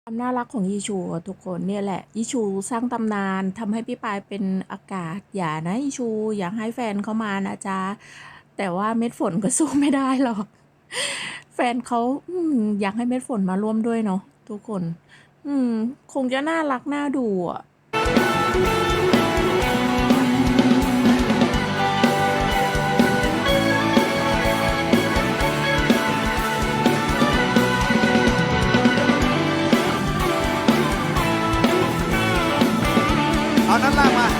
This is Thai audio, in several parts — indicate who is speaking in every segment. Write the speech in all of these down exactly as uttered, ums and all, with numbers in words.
Speaker 1: ความน่ารักของยีชูอะทุกคนเนี่ยแหละยีชูสร้างตำนานทำให้พี่ปายเป็นอากาศอย่านะยีชูอยากให้แฟนเขามานะจ๊ะแต่ว่าเม็ดฝนก็สู้ไม่ได้หรอกแฟนเขาอืมอยากให้เม็ดฝนมาร่วมด้วยเนาะทุกคน อืมคงจะน่ารักน่าดูอ่ะ
Speaker 2: เอานั้นล่างมา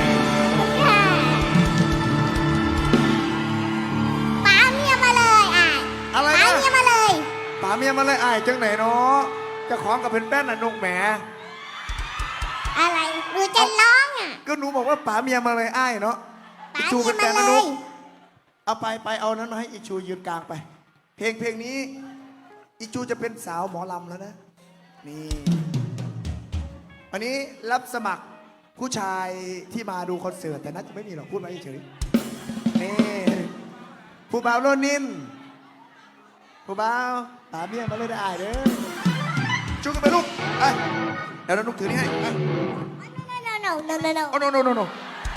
Speaker 3: ป๋าเมียมาเลยอ่ะ
Speaker 2: อะไร
Speaker 3: ป๋า
Speaker 2: นะ
Speaker 3: เมียมาเลย
Speaker 2: ป๋าเมียมาเลยอ้ายจังไหนเนาะเจะของกับเป็นแป้นน่ะนุกแหม
Speaker 3: อะไรหนูจะร้องอ่ะ
Speaker 2: ก็หนูบอกว่าป๋าเมียมาเลยอ้ายเนาะ
Speaker 3: ป๋า
Speaker 2: ชู
Speaker 3: เมี
Speaker 2: เป็
Speaker 3: ย
Speaker 2: น
Speaker 3: มา
Speaker 2: แป้น
Speaker 3: เล
Speaker 2: นะนุ
Speaker 3: ย
Speaker 2: กเอาไปไปเอานั้นมาให้อีชูยืนกลางไป เพลงเพลงนี้อีชูจะเป็นสาวหมอลำแล้วนะนี่วันนี้รับสมัครผู้ชายที่มาดูคอนเสิร์ตแต่น่าจะไม่มีหรอกพูดมาเฉยๆนี่ผู้บ่าวโรนินผู้บ่าวป๋าเมียมาเลยได้อ้ายเด้อชูกันไปลูกไปเดี๋ยวนุกถือนี่ให้ไป
Speaker 3: no no no no no
Speaker 2: โอ้ no no no no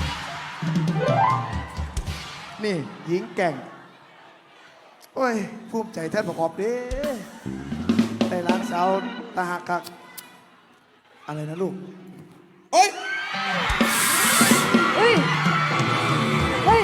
Speaker 2: นี่หญิงแก่ง โอ้ยภูมิใจแทนประกอบเด้ได้ร้านสาวตาหักคักอะไรนะลูก โอ้ย
Speaker 1: เฮ้ย เฮ้ย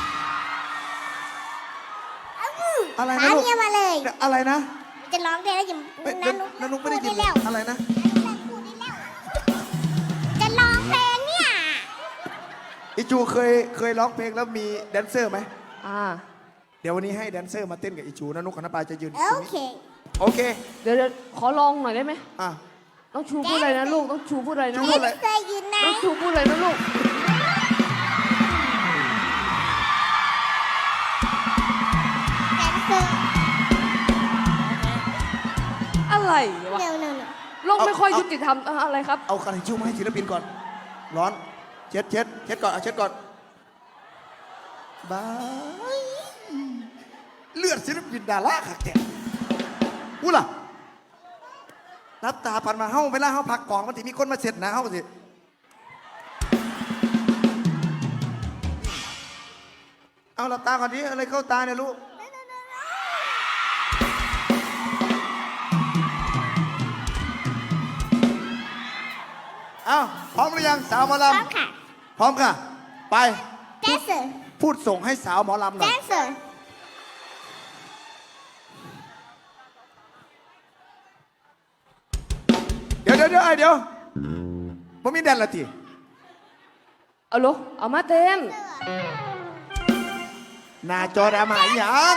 Speaker 2: อะไร
Speaker 3: ป๋า
Speaker 2: นะลูก
Speaker 3: เมียมาเลย
Speaker 2: อะไรนะ
Speaker 3: จะร้องได้แล้วอย่า
Speaker 2: ไม่
Speaker 3: นันนุ
Speaker 2: นันนุกไม่ได้ยิน
Speaker 3: พูแล้ว
Speaker 2: อะไรนะ
Speaker 3: พูดได้แล้วจะร้องเพลงเนี่ย
Speaker 2: อิจูเคยเคยร้องเพลงแล้วมีแดนเซอร์ไหม
Speaker 1: อ่า
Speaker 2: เดี๋ยววันนี้ให้แดนเซอร์มาเต้นกับอิจูนะนุกกับน้าปายจะยืนต
Speaker 3: โอ
Speaker 2: รงนี้
Speaker 3: เค
Speaker 2: โอเค
Speaker 4: เดี๋ยวเดี๋ยวขอลองหน่อยได้ไหม
Speaker 2: อ่ะ
Speaker 4: ต้องชูพูดอะไรนะลูก ต้องชูพูดอะไรนะ
Speaker 2: พู
Speaker 4: ลู
Speaker 2: ด
Speaker 4: ก
Speaker 2: อะไร
Speaker 3: เคยยืนไหน
Speaker 4: ต้องชูพูดอะไรนะลูก
Speaker 3: แดนเซอร์
Speaker 4: อะไรวะ
Speaker 3: no no no
Speaker 4: โลกไม่ค่อยยุติธรรมเอ่ออะไรครับ
Speaker 2: เอากระดาษทิชชู่มาให้ศิลปินก่อน ร้อน เช็ดเช็ดเช็ดก่อนเอาเช็ดก่อนบายเลือดศิลปินดาราขักแกพูดล่ะรับตาพันมาเฮ้าเวลาเฮ้าพักกองมันถึมีคนมาเสร็จนะเฮ้าสิเอาหลับตาก่อนดิอะไรเข้าตาเนี่ยลูกเอาพร้อมหรือยังสาวหมอ
Speaker 3: พร้อ
Speaker 2: ลำ
Speaker 3: มค่ะ
Speaker 2: พร้อมค่ะ ไป
Speaker 3: แดนเซอร์
Speaker 2: พูดส่งให้สาวหมอลำหน่
Speaker 3: แด
Speaker 2: อย
Speaker 3: นเซอร์
Speaker 2: เดี๋ยวเดี๋ยวเดี๋ยวไอเดี๋ยวผมมีแดนละที
Speaker 4: เอาลูกเอามาเต้น
Speaker 2: หน้าจอดรามาอหย่าง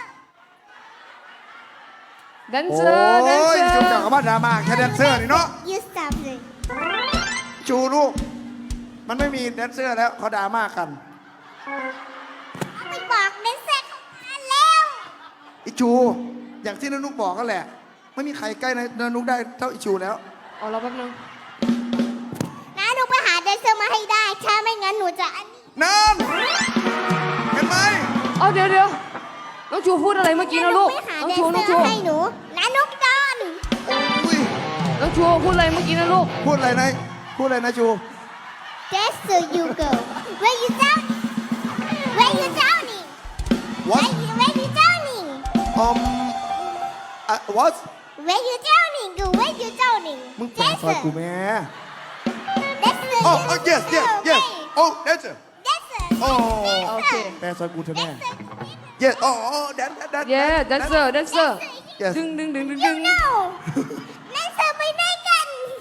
Speaker 4: แดน
Speaker 2: โอ้
Speaker 4: เซอร์แดนเซ
Speaker 2: ย
Speaker 4: อ
Speaker 2: จุก
Speaker 4: ร์
Speaker 2: จักกับว่าดราม่าแค่แดนเซอร์นี่เนาะ
Speaker 3: you stop it
Speaker 2: จูลูก มันไม่มีแดนเซอร์แล้วเขาดราม่ากัน
Speaker 3: ไปบอกแดนเซอร์เข้ามาแล้ว
Speaker 2: อิจู อย่างที่นานุกบอกก็แหละ ไม่มีใครใกล้นานุกได้เท่าอิจูแล้ว
Speaker 4: เอาเราแป๊บนึง
Speaker 3: นะหนูไปหาแดนเซอร์มาให้ได้ ถ้าไม่งั้นหนูจะอันนี้
Speaker 2: นั่นเห็นไหม
Speaker 4: เอาเดี๋ยวเดี๋ยวน้องชูพูดอะไรเมื่อกี้นะลูก
Speaker 3: ไปหา
Speaker 4: น้อง
Speaker 3: แดน
Speaker 4: ชู
Speaker 3: เซ
Speaker 4: น้
Speaker 3: อ
Speaker 4: องชู
Speaker 3: ร์ให้หนูนะนุกดอน
Speaker 2: อุ้ย
Speaker 4: น้องชูพูดอะไรเมื่อกี้นะลูก
Speaker 2: พูดอะไรนะ พูดอะไรนะจู
Speaker 3: Dancer you go where you down where you downing
Speaker 2: what
Speaker 3: where you where you downing
Speaker 2: um uh, what
Speaker 3: where you downing go where you downing
Speaker 2: มึงแปลซอยกูแม่
Speaker 3: Dancer
Speaker 2: โอ้
Speaker 3: you
Speaker 2: oh, yes yes
Speaker 3: go
Speaker 2: yes โอ้ that's it
Speaker 3: Dancer
Speaker 2: โอ้
Speaker 4: โอเค
Speaker 2: แปลซอยกูเถอะแม่ yes โอ้โอ้แดนแดน
Speaker 4: เย้แดนเซอร์แดนเซอร์
Speaker 2: yes
Speaker 4: ดึงดึงดึงดึง
Speaker 3: you
Speaker 4: ดึง
Speaker 3: know Dancer ไปไหนกัน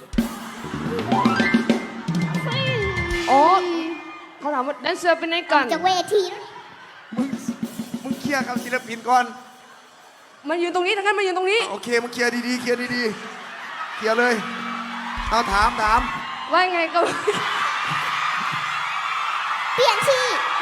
Speaker 4: อ๋อเขาถามว่าแดนเซอร์เป็นไงกัน
Speaker 3: จากเวที
Speaker 2: มึงมึงเคลียร์กับศิลปินก่อน
Speaker 4: มายืนตรงนี้ทั้งนั้นมายืนตรงนี้
Speaker 2: โอเคมึงเคลียร์ดีๆเคลียร์ดีๆเคลียร์เลย เอาถามถาม
Speaker 4: ว่าไงก็
Speaker 3: เปลี่ยนที่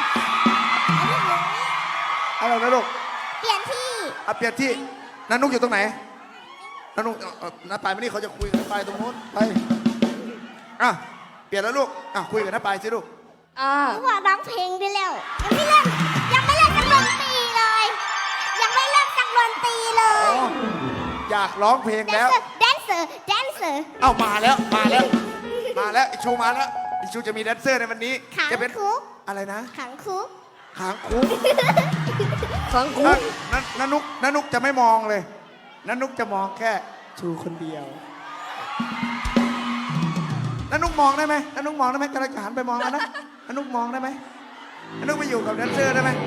Speaker 2: อะไรนะลูก
Speaker 3: เปลี่ยนที่
Speaker 2: อ่ะเปลี่ยนที่นันนุกอยู่ตรงไหนนันนุกเอาเอาน้าปายมานี่เขาจะคุยกับน้าปายตรงโน้นไปอ่ะเปลี่ยนแล้วลูกอ่ะคุยกับน้าปายสิลูก
Speaker 4: อ่า
Speaker 3: หนูว่าร้องเพลงได้แล้ว ยังไม่เริ่มยังไม่เริ่มสักดนตรีเลย ยังไม่เริ่มสักดนตรีเล
Speaker 2: อ๋อย อยากร้องเพลงแล้ว
Speaker 3: Dancer Dancer Dancer dancer
Speaker 2: เอามาแล้วมาแล้ว มาแล้วอิชูมาแล้วอิชูจะมีแดนเซอร์ในวันนี้
Speaker 3: ขัง
Speaker 2: จะเป็น
Speaker 3: คุก
Speaker 2: อะไรนะ
Speaker 3: ขังคุก
Speaker 2: หางคุก
Speaker 4: ฟังกู
Speaker 2: นันนันนุกนันนุกจะไม่มองเลยนันนุกจะมองแค่ชูคนเดียวนันนุกมองได้ไหมนันนุกมองได้ไหมกำลังจะหันไปมองแล้วนะนันนุกมองได้ไหมนันนุกไปอยู่กับแดนเซอร์ได้ไหม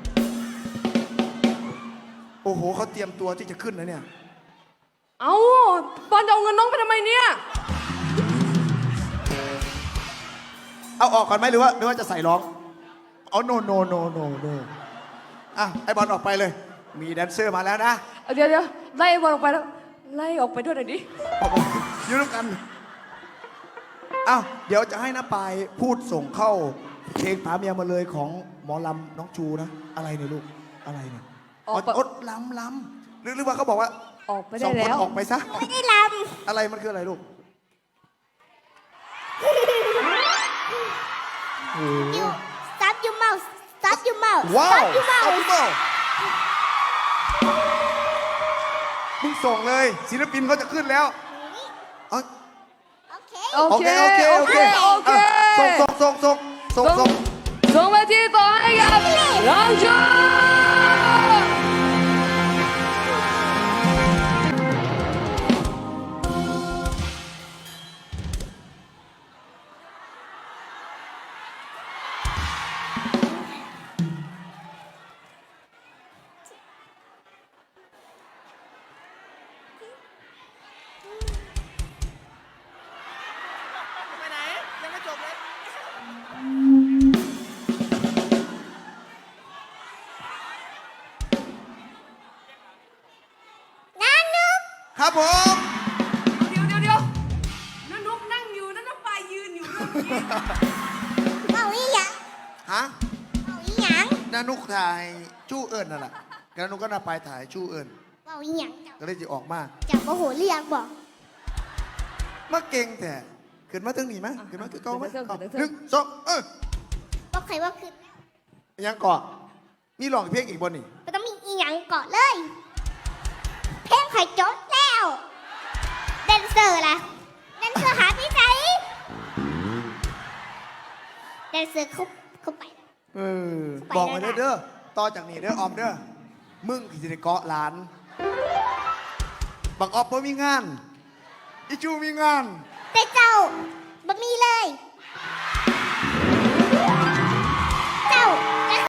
Speaker 2: โอ้โหเขาเตรียมตัวที่จะขึ้นนะเนี่ย
Speaker 4: เอาปอนจะเอาเงินน้องไปทำไมเนี่ย
Speaker 2: เอาออกก่อนไหมหรือว่าหรือว่าจะใส่ร้องเอาโนโนโนโนโนอ่ะไอบอลออกไปเลย มีแดนเซอร์มาแล้วนะ
Speaker 4: เดี๋ยวเดี๋ยวไล่บอลออกไปแล้วไล่ออกไปด้วยหน่อยดิ
Speaker 2: ออกมาอยู่ด้วยกันอ้าวเดี๋ยวจะให้น้าปายพูดส่งเข้าเพลงผาเมียมาเลยของหมอลำน้องชูนะ อะไรเนี่ยลูกอะไรเนี่ย
Speaker 4: ออกไป
Speaker 2: อดลำลำหรือหรือว่าเขาบอกว่า
Speaker 4: ออกไป
Speaker 2: ส
Speaker 4: ได้
Speaker 2: องคน
Speaker 4: แล้ว
Speaker 2: ออกไปซะ
Speaker 3: ไม่ได้ล
Speaker 2: อะไรมันคืออะไรลูกโอ้โห
Speaker 3: ำ you stop your mouth stop your mouth
Speaker 2: ว้าว
Speaker 3: stop your
Speaker 2: เอา
Speaker 3: mouth
Speaker 2: พี่โบมึงส่งเลย ศิลปินเขาจะขึ้นแล้วเอา
Speaker 3: โอเค
Speaker 4: โอ
Speaker 2: โอ
Speaker 4: เค
Speaker 2: เค โอเค โอเค
Speaker 4: โอเค
Speaker 2: อ่ะส่งส่งส่งส่งส่งส่ง
Speaker 4: ส่งไปที่ต่อให้กับน้องชู
Speaker 2: ไปไหน ยังไม่จบเลย
Speaker 3: นานุก
Speaker 2: ครับผม
Speaker 4: เดี๋ยวเดี๋ยวเดี๋ยวนั่นนกนั่งอยู่นั่นนกปลายยืนอยู่นั่น
Speaker 3: เอาอีหยัง
Speaker 2: ฮะ
Speaker 3: เอาอีหยัง
Speaker 2: นานุกถ่ายชู้เอิญนั่นแหละนานุกก็น่าไปถ่ายชู้เอิญ
Speaker 3: เอาอีหยังเจ้า
Speaker 2: ก็เลยจะออกมา
Speaker 3: จับโมโหเรียกบอก
Speaker 2: มาเก่งแต่ขึ้นมาถึงนี่ไหมขึ้นมาคือเก่าไหม
Speaker 4: ขึ้นมา
Speaker 2: เอา
Speaker 4: ถึง
Speaker 2: หนึ่งสองเออ
Speaker 3: บอกใครว่าคือ
Speaker 2: ยังเกาะมีร้องเพลงอีกบนนี่
Speaker 3: ไม่ต้องมีอีหยังเกาะเลย เพลงไข่จดแล้วแดนเซอร์ล่ะแดนเซอร์หาที่ไหนแดนเซอร์เขาเขาไป
Speaker 2: เออ
Speaker 3: ไป
Speaker 2: บอกมา
Speaker 3: แล้
Speaker 2: เด้
Speaker 3: ว
Speaker 2: อ
Speaker 3: นะ
Speaker 2: เด้อต่อจากนี้เด้อออมเด้อมึงที่จะได้เกาะหลานบักออฟเพิ่มีงานอิจูมีงาน
Speaker 3: แต่เจ้าบ่มีเลย